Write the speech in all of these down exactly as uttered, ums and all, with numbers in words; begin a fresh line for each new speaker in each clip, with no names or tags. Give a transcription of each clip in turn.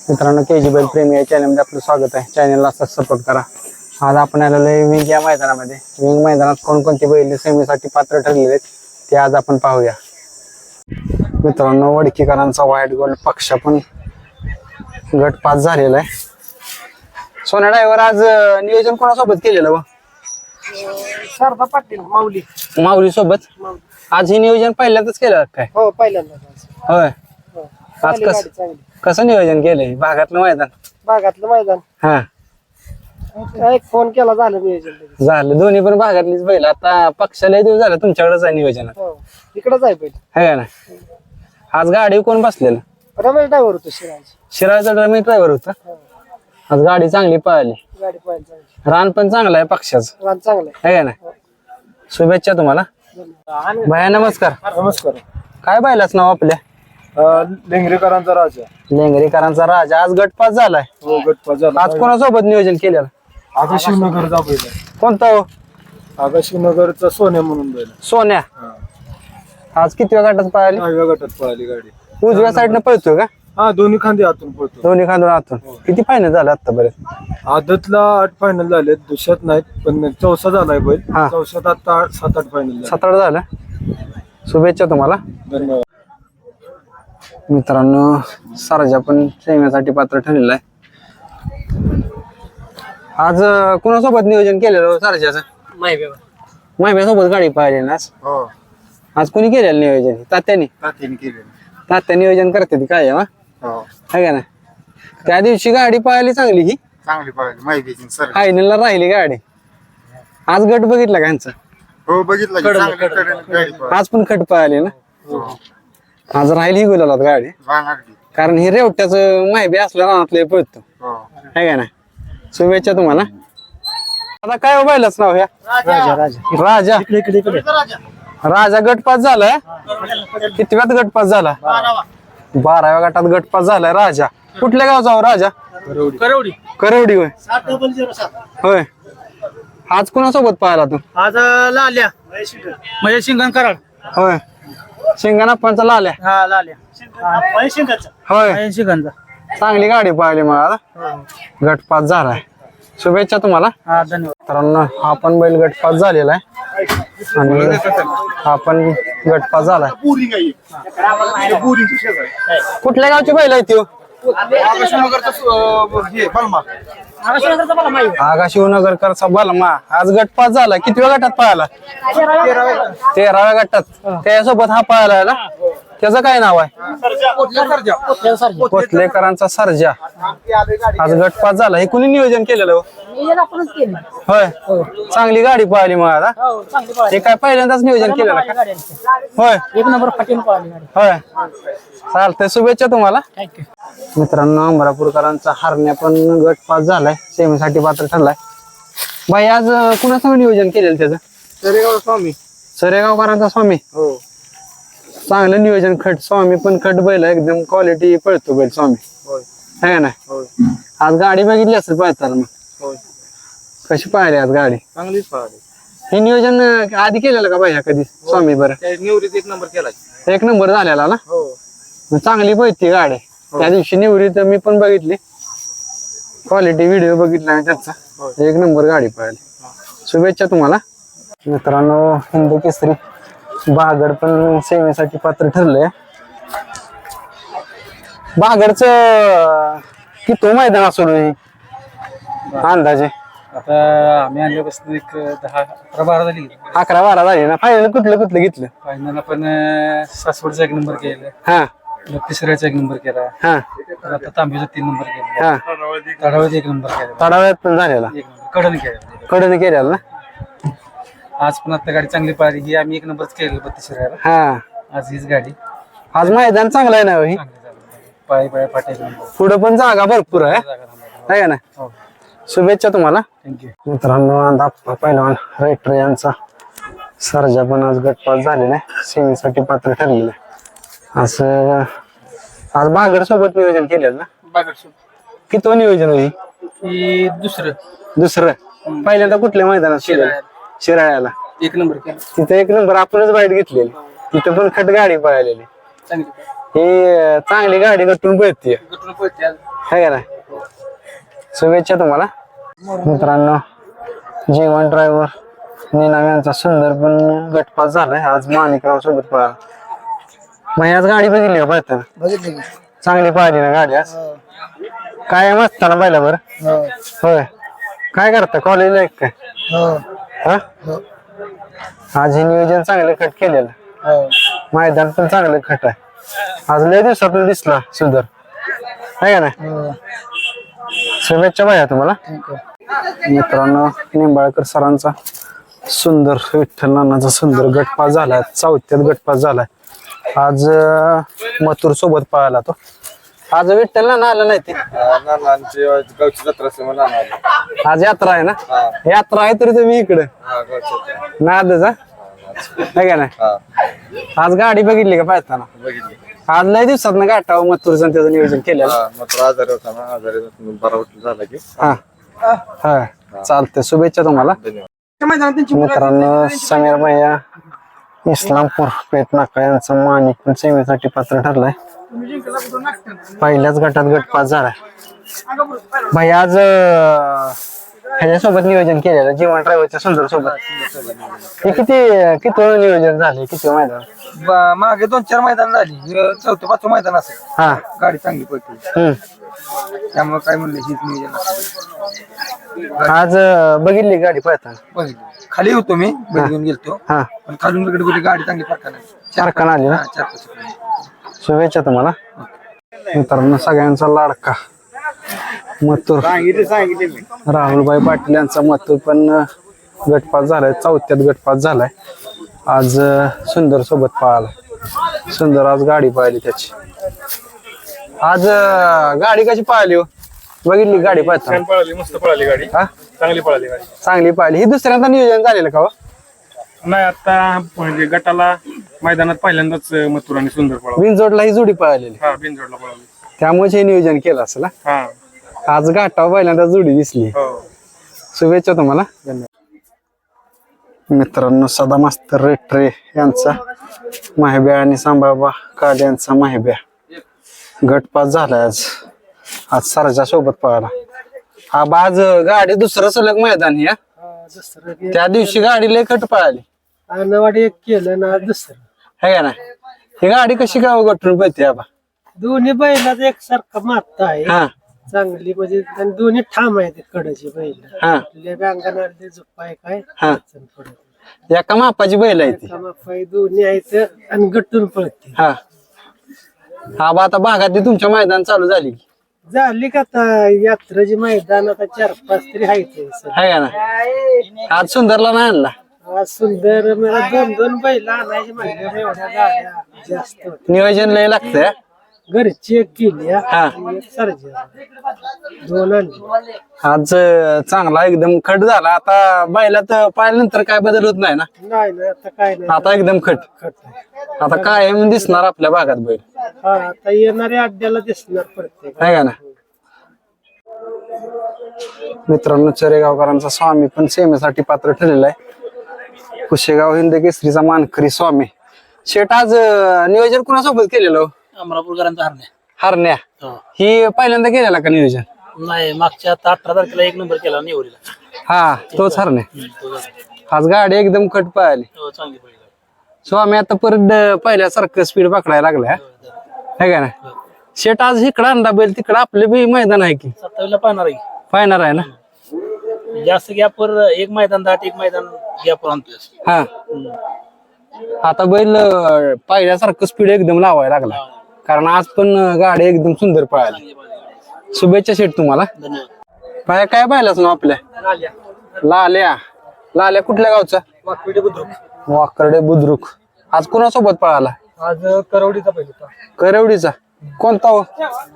मित्रांनो के जी बैल प्रेमी या चॅनलमध्ये आपलं स्वागत आहे. चॅनलला असंच सपोर्ट करा. आज आपण आलेलो आहे विंग या मैदानामध्ये. विंग मैदानात कोणकोणती बैल सेमीसाठी पात्र ठरलेले आहेत ते आज आपण पाहूया. मित्रांनो वडकीकरांचा व्हाईट गोल्ड पक्ष पण गट पास झालेला आहे. सोना ड्रायव्हर आज नियोजन कोणासोबत केलेलं व
शारदा पाटील माऊली
माऊली सोबत आज हे नियोजन पहिल्यांदाच केलं काय?
हो पहिल्यांदा
होय. आज कस कसं नियोजन केलंय भागातलं मैदान?
भागातलं मैदान
हा
एक फोन केला झालं नियोजन
झालं. दोन्ही पण भागातलीच बैल. आता पक्षाला दिवस झालं तुमच्याकडेच आहे नियोजन
हो इकडंच आहे पहिले
आहे ना. आज गाडी कोण बसलेलं?
रमेश ड्रायव्हर होतो शिराज
शिराळचा ड्रायव्हर ड्रायव्हर होता. आज गाडी चांगली पळाली.
गाडी पाहिजे चांगली
रान पण चांगलं आहे पक्षाचं
रान चांगलं
आहे ना. शुभेच्छा तुम्हाला
आहे
भैया. नमस्कार.
नमस्कार.
काय बैलाच नाव आपल्या?
लेंगरेकरांचा राजा
लेंगरेकरांचा राजा आज गटपास झालाय.
हो गटपास झाला.
आज कोणासोबत नियोजन केलेलं?
आगा शिवनगरचा बैल आहे.
कोणता हो?
आगा शिवनगरचा सोन्या म्हणून बैल आहे.
सोन्या. आज किती गटात पळाली?
दहाव्या गटात पळाली गाडी.
उजव्या साईडनं पळतोय का?
हा दोन्ही खांदे आतून पळतो.
दोन्ही खांदून आतून. किती फायनल झालं आतापर्यंत?
आदतला आठ फायनल झाले, दुसऱ्यात नाहीत पण चौसा झालाय बैल.
हा.
चौशात आता आठ- सात आठ फायनल झाले.
सात आठ झालं. शुभेच्छा तुम्हाला.
धन्यवाद.
मित्रांनो सरजा पण सेमीसाठी पात्र ठरलेला आहे. आज अं, कुणासोबत नियोजन केलेलं सरजाचं? माहिब्यासोबत गाडी पाहिली ना आज.
हो
आज कोणी केलेलं नियोजन? तात्यानी.
तात्याने केलेलं.
तात्या नियोजन करते ती काय आहे
हो
का ना. त्या दिवशी गाडी पाहिली चांगली ही.
चांगली पाहिजे माहिती सर.
फायनलला राहिली गाडी. आज गट बघितला का यांचा?
हो बघितलं की चांगली कडेने गाडी पाहिजे.
आज पण खट पाहिली ना.
हो
आज राहिली गुलालात गाडी.
वांग अगदी.
कारण हे रेवट्याचं माहिती असल्या रानातले पळतो
हो
आहे का ना. शुभेच्छा तुम्हाला. आता काय व्हायलाच नाव ह्या?
राजा राजा
राजा.
इकडे इकडे इकडे
राजा गटपास झालाय. कितव्यात गटपास झाला? बाराव्या गटात गटपास झालाय राजा. कुठल्या गावचा हो राजा?
करवडी.
करवडी होय.
सात डबल झिरो सात.
होय. आज कोणासोबत पाहिला तू?
आज लाल्या म्हणजे शिंगण कराड.
होय. शिंगणाप्पांचा लाल्या.
हा लाल्या शिंगाचा.
होय.
शिंगांचा.
चांगली गाडी पाहिली मग आता. गटपास झालाय. शुभेच्छा तुम्हाला.
हा धन्यवाद.
मित्रांनो हा पण बैल गटपास झालेला आहे आणि हा पण गटपास झालाय. कुठल्या गावची बैल आहे ती? आगा शिवनगरकरचा बलमा आज गटपास झाला. कितव्या गटात पळाला? तेराव्या गटात. त्यासोबत हा पळाला ना. त्याचं काय नाव आहे? कोथलेकरांचा सर्जा आज गटपास झाला. हे कुणी नियोजन केलेलं? होय. चांगली गाडी पळाली मग आता. हे काय पहिल्यांदाच नियोजन केलेलं का? होय.
एक नंबर फाटीन पळाली गाडी.
होय. चालतंय. शुभेच्छा तुम्हाला. मित्रांनो अमरापूरकरांचा हरण्या पण गट पास झालाय. सेमीसाठी पात्र ठरलाय. बाई आज कुणासंग नियोजन केलेलं त्याचं?
सरेगाव स्वामी.
सरेगावकरांचा स्वामी.
हो
चांगलं नियोजन. खट स्वामी पण खट बैल आहे. एकदम क्वालिटी पळतो बैल स्वामी
होय
आहे ना.
होय
आज गाडी बघितली असेल पळताना. मग
होय
कशी पाहिली आज गाडी?
चांगलीच पळाली.
हे नियोजन अं, आधी केलेलं का बाई कधी स्वामी? बरं
त्या निवृत्त एक नंबर केला.
एक नंबर झालेला ना.
हो
मग चांगली पळती गाडी. त्या दिवशी निवडी तर मी पण बघितली. क्वालिटी व्हिडिओ बघितला मी त्यांचा. एक नंबर गाडी पाहिली. शुभेच्छा तुम्हाला. मित्रांनो हिंद केसरी बागड पण सेवेसाठी पात्र ठरलंय. बागडच किती मैदान असो अंदाजे?
आता आम्ही आणल्यापासून एक दहा अकरा बारा झाली.
अकरा बारा झाले ना. फायनल कुठलं कुठलं घेतलं?
फायनल आपण सासवडचा एक नंबर केला.
हा
तिसऱ्याचा एक नंबर केला.
हा
आता तांबेचा तीन नंबर केला.
हा
तडावत एक नंबर केला.
तडाव्यात पण झालेला.
एक नंबर कडन केला.
कडून केलेला ना.
आज पण आता गाडी चांगली पाहिली. ही आम्ही एक नंबरच केलं बत्तीसऱ्याला.
हा
आज हीच गाडी
आज मैदान चांगलं आहे ना. ही
चांगली झाली. पाय पाय फाटे एक नंबर.
पुढे पण जागा भरपूर आहे आहे का ना.
हो
शुभेच्छा तुम्हाला.
थँक्यू.
मित्रांनो आप्पा पहिलवान रायटर यांचा सर्जा पण आज गटपास झालेला आहे. सेमीसाठी पात्र ठरलेलं आहे. असं आज बागड सोबत नियोजन केलेलं ना. किती नियोजन होईल?
ही दुसरं
दुसरं. पहिल्यांदा कुठल्या मैदानात केलं? शिराळ्याला
एक नंबर केला.
तिथे एक नंबर आपणच बाईट घेतलेली. तिथे पण खट गाडी पळालेली.
चांगली
ही चांगली गाडी गटून पळते
गटून पळते आज.
है का नाही शुभेच्छा तुम्हाला मित्रांनो. जीवन ड्रायव्हर निनाम यांचा सुंदर पण गटपास झालाय आज माणिकराव सोबत पळाला. मग आज गाडी बघितली का पळताना?
बघितली की?
चांगली पाहिली ना गाडी आज. काय मस्ताना पाहिला बरं.
हो.
होय काय करता कॉलेजला एक काय
हो.
हा
हो.
आज हे नियोजन चांगलं खट केलेलं.
हो.
मैदान पण चांगलं खट आहे. आज लय दिवसातून दिसला सुंदर आहे का नाही.
हो.
शुभेच्छा भाया तुम्हाला.
ठीक आहे.
मित्रांनो निंबाळकर सरांचा सुंदर विठ्ठल नानाचा सुंदर गटपास झालाय. चौथ्यात गटपास झालाय. आज अं, मथुर सोबत पळाला तो. आज विठ्ठल नाना आला नाही ते.
नानांची गावची जत्रा असल्यामुळे नाना आले.
आज यात्रा आहे ना. यात्रा आहे तरी तुम्ही इकडे
हा, गावची जत्रा.
नादच आहे का नाही.
हा.
आज गाडी बघितली का पाहताना.
बघितली.
आज लय दिवसात ना गाठावं मथुरचं त्याचं नियोजन केलेलं.
हा, मात्र आजारी होता ना, आजारी बरा उठला झाला की.
हा हा चालतंय शुभेच्छा तुम्हाला.
धन्यवाद.
मित्रांनो समीर भैया इस्लामपूर पेट नाका यांचा माणिक पण सेवेसाठी पात्र ठरलाय. पहिल्याच गटात गटपास झालाय. भाई आज अं, ह्याच्यासोबत नियोजन केलेलं जीवन ड्रायव्हरच्या सुंदर सोबत. हे किती किती वेळ नियोजन झाले किती मैदान.
ब- मागे दोन चार मैदान झाली. हे चौथं पाचवं मैदान असेल.
हा
गाडी चांगली पडते
हम्म
त्यामुळे काय म्हणलं हीच नियोजन असेल.
आज अं, बघितली गाडी पळताना.
बघितली. खाली होतो मी बैल घेऊन गेलतो
हा
पण खालून इकडे कुठे गाडी चांगली फरका नाही.
चार कान आली ना.
हा, चार पाच सेकंद.
शुभेच्छा तुम्हाला. मित्रांनो सगळ्यांचा लाडका मथुर
सांगितले सांगितले मी.
राहुलभाई पाटील यांचा मथुर पण अं, गटपास झालाय. चौथ्यात गटपास झालाय. आज अं, सुंदर सोबत पळाला. सुंदर आज गाडी पाहिली त्याची. आज अं, गाडी कशी पाहिली हो बघितली गाडी पाहता.
पळाली मस्त पळाली गाडी.
हा
चांगली पळाली गाडी.
चांगली पाहिली. ही दुसऱ्यांदा नियोजन झालेलं का हो?
नाही आता म्हणजे गटाला मैदानात पहिल्यांदाच मथुर आणि सुंदर पळाला.
विंजोडला ही जोडी पळालेली
हा बिनजोडला पळाली.
त्यामुळे हे नियोजन केलं असेल हा?
हा.
आज घाटावर पहिल्यांदा जोडी दिसली.
हो.
शुभेच्छा तुम्हाला. मित्रांनो सदा मास्तर रेट्रे यांचा माहिब्या आणि सांबाबा काड यांचा माहिब्या गटपास झालाय. आज आज सरच्या सोबत पळाला. हा आज गाडी दुसरं सलग मैदान या त्या दिवशी गाडी लय कट पळाली
आणवाडी एक केलं ना दुसरं
है का ना. ही गाडी कशी गाव गटून पळते आबा.
दोन्ही बैलाच एकसारखा मारता आहे
हा
चांगली म्हणजे आणि दोन्ही ठाम आहेत कडची बैल.
हा
आपल्या गांगानाडले झोपाय काय
हा
अडचण पडत
एका मापाची बैल आहे ती.
कामापाय दोन्ही आहेत आणि गट्टून पळते.
हा आबा आता भागातली तुमच्या मैदान चालू झाली की
झाली का आता यात्रेची मैदान आता चार पाच तरी आहेत
है का ना. आज सुंदरला नाही आणला.
आज सुंदर मला दोन दोन बैल आणायची म्हणजे एवढ्या गाड्या जास्त होत्या.
नियोजन लय लागतंय.
घरची एक केली हा,
हा.
आणि एक सर्जा दोन आणली.
आज अं, चांगला एकदम खट झाला. आता बैलात पाहिल्यानंतर काय बदल होत नाही ना.
नाही ना आता काय नाही
आता एकदम खट.
खट आहे.
आता कायम दिसणार आपल्या भागात बैल
हा आता येणाऱ्या अड्ड्याला दिसणार प्रत्येक.
आहे का ना. मित्रांनो चरेगावकरांचा स्वामी पण सेमेसाठी पात्र ठरलेला आहे. कुशेगाव हिंद केसरीचा मानकरी स्वामी. शेट आज अं, नियोजन कुणासोबत केलेलं हो?
अमरापूरकरांचा हरण्या
हरण्या.
हो.
ही पहिल्यांदा केलेला का नियोजन.
नाही मागच्या आता अठरा तारखेला एक नंबर केला निवडीला.
हा तोच हरण्या.
तो झाला.
आज गाडी एकदम खट पाहिली.
हो, चांगली पडली गाडी.
स्वामी आता परत अं, पहिल्यासारखं स्पीड पकडायला लागलाय है का ना. शेट आज इकडं आणला बैल तिकडं आपले बी मैदान आहे की
सत्तावीसला पाहणार आहे.
पाहणार आहे ना.
जास्त गॅपवर एक मैदान दाट एक मैदान गॅपवर आणतोय.
हा आता बैल अं, पहिल्यासारखं स्पीड एकदम लावायला लागला. कारण आज पण अं, गाडी एकदम सुंदर पळाली. शुभेच्छा शेट तुम्हाला.
धन्यवाद.
पाया काय पाहिलाच ना आपल्या लाल्या. लाल्या कुठल्या गावचा.
वाकपिढी बुद्रुक.
वाकर्डे बुद्रुक. आज कोणासोबत पळाला.
आज करवडीचा पहिला होता.
करवडीचा कोणता हो.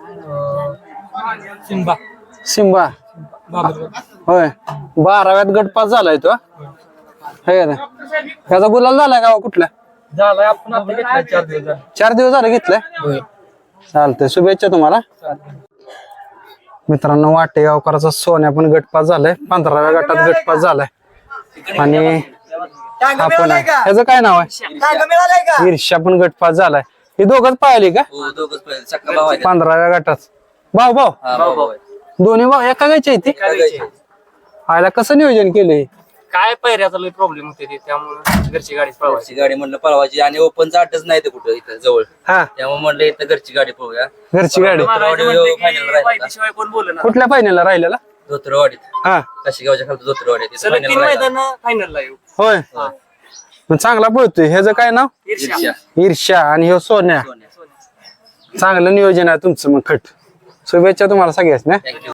सिंबा.
सिंबा होय. बाराव्यात गटपास झालाय तो है ना. त्याचा गुलाल झालाय का हो कुठला.
झालाय आपण आता घेतला चार दिवस झाले.
चार दिवस झाले घेतलाय. चालतंय शुभेच्छा तुम्हाला. मित्रांनो वाटेगावकरांचा सोन्या पण गटपास झालाय. पंधराव्या गटात गटपास झालाय. आणि आपण ह्याचं काय नाव आहे. ईर्ष्या पण गटपास झालाय. हे दोघच पाहिले का
हो दोघच पहिले सक्का भाव आहे
पंधराव्या गटात भाऊ भाऊ
हा भाऊ भाऊ आहे.
दोन्ही भाऊ एका गायचे आहे ते आयला कसं नियोजन केलंय
काय पैऱ्याचा लय प्रॉब्लेम होते ते त्यामुळे घरची गाडी पळवायची
घरची गाडी म्हणलं पळवायची आणि ओपनचा आठच नाही ते कुठं इथं जवळ
हा
त्यामुळे म्हणलं इथं घरची गाडी पळूया
घरची गाडी
फायनल राहिला
शिवाय कोण बोल ना
कुठल्या फायनलला राहिलेला
धोत्रवाडीत
हा
काशीगावच्या खालचं धोत्रवाडीत तिथं
सलग तीन
final राहिला.
मैदान फायनलला येऊ
होय मग चांगला पळतोय ह्याचं काय नाव
ईर्ष्या.
ईर्ष्या आणि ह्यो सोन्या
सोन्या.
चांगलं नियोजन आहे तुमचं मग खट शुभेच्छा तुम्हाला सगळ्याच ना
Thank you.